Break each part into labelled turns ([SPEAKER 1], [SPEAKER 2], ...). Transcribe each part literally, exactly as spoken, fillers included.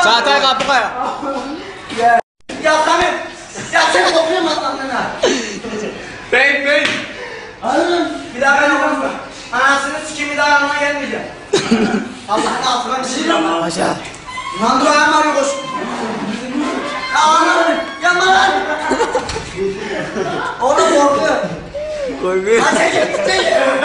[SPEAKER 1] Çağatay kapı koya.
[SPEAKER 2] Ya Samet. Ya sen kopyama sandığına.
[SPEAKER 1] Bey bey.
[SPEAKER 2] Anladın. Bir daha ben olmam. Anasını sikeyim bir daha yanıma gelmeyeceğim. Allah'ın altına bir şey yapma.
[SPEAKER 1] Paşa.
[SPEAKER 2] Lan dur ayağım var koş. Ya anam. Yanma lan. Oğlum korkuyor.
[SPEAKER 1] Korkuyor.
[SPEAKER 2] Lan çekil çekil.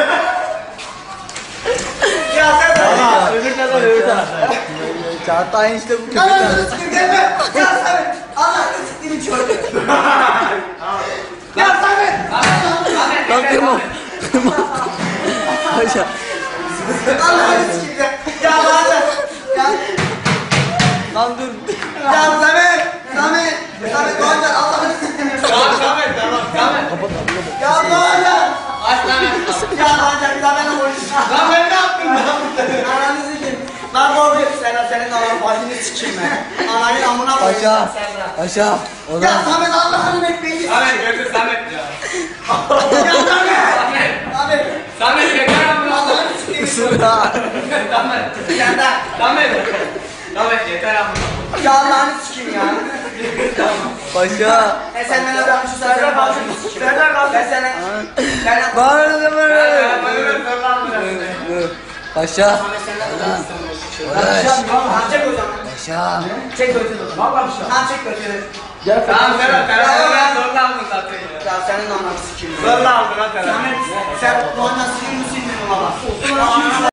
[SPEAKER 2] Ya sen de.
[SPEAKER 1] Öbür taraf öbür taraf. Çağatay işte bu köpek.
[SPEAKER 2] Anasını sikeyim gelme. Ya Samet. Allah'ını sikeyim çocuk. Ya Samet.
[SPEAKER 1] Lan kırma. Kırma. Paşa.
[SPEAKER 2] Allah'ını sikeyim ya. Ya bana. Ya.
[SPEAKER 1] Lan dur.
[SPEAKER 2] Ya Samet. Samet. Samet Doğancan Allah'ını sikeyim.
[SPEAKER 1] Tamam Samet tamam Samet.
[SPEAKER 2] Ya Doğancan.
[SPEAKER 1] Aç lan.
[SPEAKER 2] Ya Doğancan bir daha benimle konuşacağım.
[SPEAKER 1] Lan ben ne yaptım lan?
[SPEAKER 2] Ananı sikeyim. Lan korkuyorum. Sen senin Allah'ın başını sikeyim ben. Ananın amına koyayım.
[SPEAKER 1] Paşa.
[SPEAKER 2] Sen bırak.
[SPEAKER 1] Paşa. O
[SPEAKER 2] Ya
[SPEAKER 1] zaman.
[SPEAKER 2] Samet Allah'ın ekmeğini
[SPEAKER 1] Samet götür Samet ya.
[SPEAKER 2] Ya Samet.
[SPEAKER 1] Samet.
[SPEAKER 2] Samet.
[SPEAKER 1] Samet yeter ama.
[SPEAKER 2] Allah'ını sikeyim.
[SPEAKER 1] Isırda. Samet.
[SPEAKER 2] Sen de.
[SPEAKER 1] Samet. Samet yeter ama.
[SPEAKER 2] Ya Allah'ını sikeyim ya.
[SPEAKER 1] Paşa.
[SPEAKER 2] E sen bana bırakmışsın sen senin başını sikeyim. Senden kalk. Ben sana. Ben
[SPEAKER 1] Bağırın da böyle.
[SPEAKER 2] Samet
[SPEAKER 1] Paşa.
[SPEAKER 2] senden.
[SPEAKER 1] Uğraş.
[SPEAKER 2] Tamam çek o zaman.
[SPEAKER 1] Paşa.
[SPEAKER 2] Çek götür o zaman. Valla bir şey. Tamam çek götür.
[SPEAKER 1] Tamam Ferhat. Ferhat ben zorla aldım zaten ya.
[SPEAKER 2] Ya senin ananı sikeyim.
[SPEAKER 1] Zorla aldım ha Ferhat.
[SPEAKER 2] Samet sen bu anasını mı sildin baba?